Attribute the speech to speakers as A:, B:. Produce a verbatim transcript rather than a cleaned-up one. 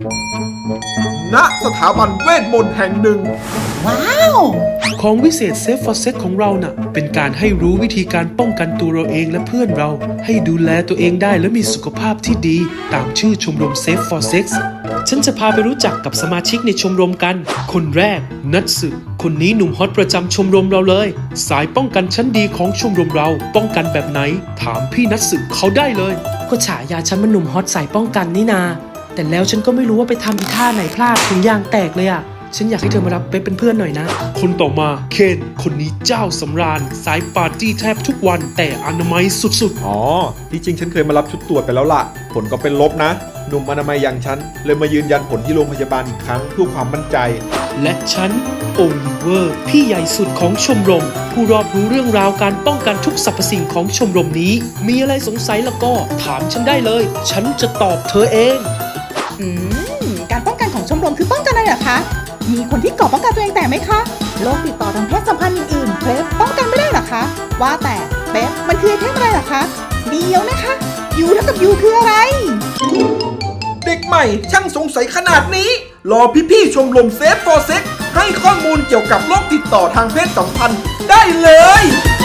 A: ณสถาบันเวทมนต์แห่งหนึ่ง
B: ว้าว
C: ของวิเศษเซฟฟอร์เซ็กของเราน่ะเป็นการให้รู้วิธีการป้องกันตัวเราเองและเพื่อนเราให้ดูแลตัวเองได้และมีสุขภาพที่ดีตามชื่อชมรมเซฟฟอร์เซ็กฉันจะพาไปรู้จักกับสมาชิกในชมรมกันคนแรกนัทสึคนนี้หนุ่มฮอตประจำชมรมเราเลยสายป้องกันชั้นดีของชมรมเราป้องกันแบบไหนถามพี่นัทสึเขาได้เลยก็ฉายาฉันมันหนุ่มฮอตสายป้องกันนี่นาแต่แล้วฉันก็ไม่รู้ว่าไปทำอีท่าไหนพลาดถึงยางแตกเลยอะฉันอยากให้เธอมารับเป๊ปเป็นเพื่อนหน่อยนะคนต่อมาเคนคนนี้เจ้าสำราญสายปาร์ตี้แทบทุกวันแต่อนามัยสุดๆ
A: อ๋อที่จริงฉันเคยมารับชุดตรวจไปแล้วล่ะผลก็เป็นลบนะหนุ่มอนามัยอย่างฉันเลยมายืนยันผลที่โรงพยาบาลอีกครั้งเพื่อความมั่นใจ
C: และฉันโอลิเวอร์พี่ใหญ่สุดของชมรมผู้รอบรู้เรื่องราวการป้องกันทุกสรรพสิ่งของชมรมนี้มีอะไรสงสัยแล้วก็ถามฉันได้เลยฉันจะตอบเธอเอง
B: อืมการป้องกันของชมรมคือป้องกันอะไรเหรอคะมีคนที่ก่อป้องกันตัวเองแต่ไหมคะโรคติดต่อทางเพศสัมพันธ์อื่นๆเป๊ปป้องกันไม่ได้เหรอคะว่าแต่เป๊ปมันคือไอเทมอะไรเหรอคะเดียวนะคะยูเท่ากับยูคืออะไร
A: เด็กใหม่ช่างสงสัยขนาดนี้รอพี่ๆชมรมเซฟฟอร์เซ็กให้ข้อมูลเกี่ยวกับโรคติดต่อทางเพศสัมพันธ์ได้เลย